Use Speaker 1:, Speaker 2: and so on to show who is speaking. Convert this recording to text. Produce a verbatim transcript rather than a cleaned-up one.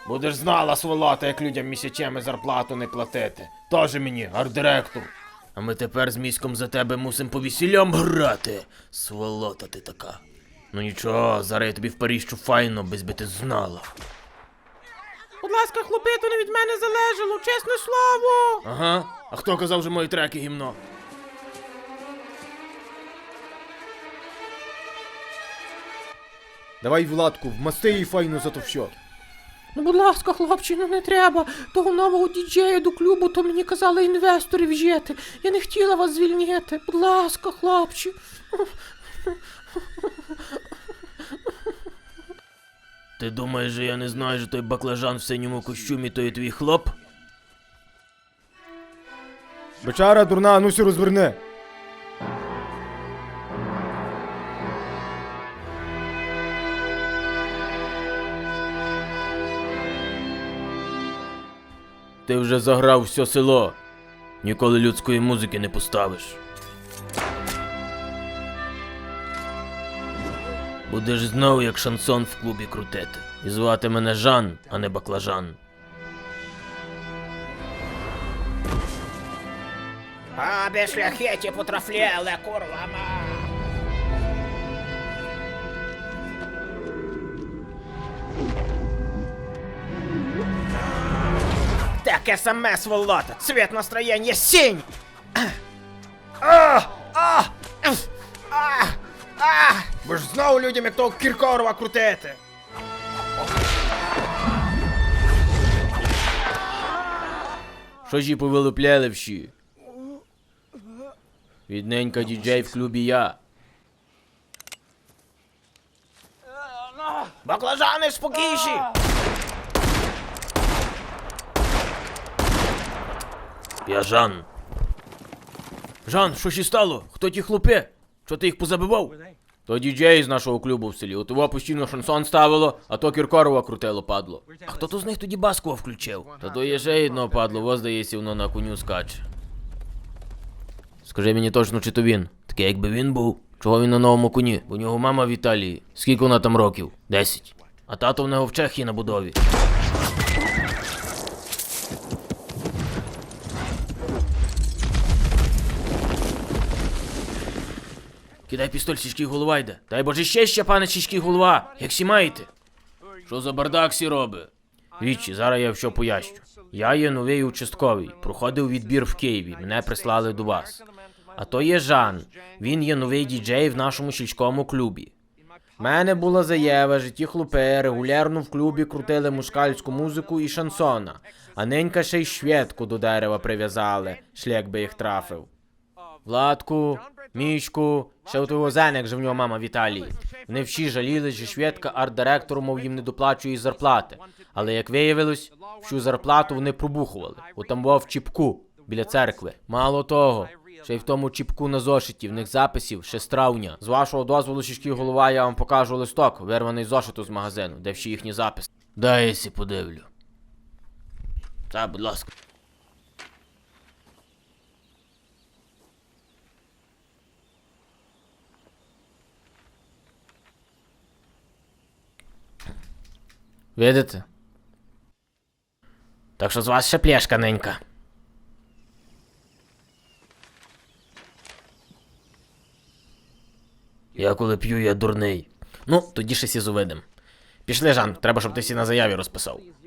Speaker 1: Будеш знала, сволота, як людям місячами зарплату не платити. Тоже мені, арт-директор. А ми тепер з міськом за тебе мусим по весіллям грати. Сволота ти така. Ну нічого, зараз я тобі в Паріжчу файно, без би ти знала.
Speaker 2: Будь ласка, хлопи, то не від мене залежало, чесне слово.
Speaker 1: Ага, а хто казав, що мої треки гімно?
Speaker 3: Давай, Владку, вмасти її файно за то все.
Speaker 2: Ну, будь ласка, хлопче, ну не треба. Того нового діджея до клубу, то мені казали інвестори вжити. Я не хотіла вас звільняти. Будь ласка, хлопче.
Speaker 1: Ти думаєш, що я не знаю, що той баклажан в синьому костюмі, то є твій хлоп?
Speaker 3: Бичара дурна, а ну сі розверни.
Speaker 1: Ти вже заграв все село. Ніколи людської музики не поставиш. Будеш знову як шансон в клубі крутити. І звати мене Жан, а не Баклажан.
Speaker 2: А, без шляхеті потрафлєли, курва ма. Таке саме, сволота, цвет настроєння синь. А, а, а, а.
Speaker 1: Ви ж знову людям як того Кіркорова крутити. Що ж і повилупляли всі? Відненька діджей в клубі я.
Speaker 2: Баклажани спокійші.
Speaker 1: Я Жан. Жан, що ще стало? Хто ті хлопи? Що ти їх позабивав? То діджей з нашого клубу в селі. От його постійно шансон ставило, а то Кіркорова крутило падло. А хто то з них тоді Баскова включив? Та то є ще одно падло, во здається, воно на коню скаче. Скажи мені точно, чи то він? Таке якби він був. Чого він на новому коні? Бо у нього мама в Італії. Скільки вона там років? Десять. А тато в нього в Чехії на будові. Кидай пістоль, сільський голова йде. Дай боже ще ще, пане сільський голова. Як сі маєте? Що за бардак сі роби? Вічі, зараз я що поясню. Я є новий участковий. Проходив відбір в Києві. Мене прислали до вас. А то є Жан. Він є новий діджей в нашому сільському клубі. В мене була заява, що ті хлопи регулярно в клубі крутили мушкальську музику і шансона. А ненька ще й шведку до дерева прив'язали. Шлях би їх трафив. Владку, Мішку, ще у того Зеник же в нього мама в Італії. Вони всі жаліли, що шведка арт-директору, мов їм не доплачує зарплати. Але, як виявилось, всю зарплату вони пробухували. Отам був в чіпку, біля церкви. Мало того, ще й в тому чіпку на зошиті, в них записів ще з травня. З вашого дозволу, сільський голова, я вам покажу листок, вирваний з зошиту з магазину, де всі їхні записи. Дай я сі подивлю. Так, будь ласка. Видите? Так що з вас ще пляшка ненька. Я коли п'ю, я дурний. Ну, тоді ще сі зувидим. Пішли, Жан, треба, щоб ти сі на заяві розписав.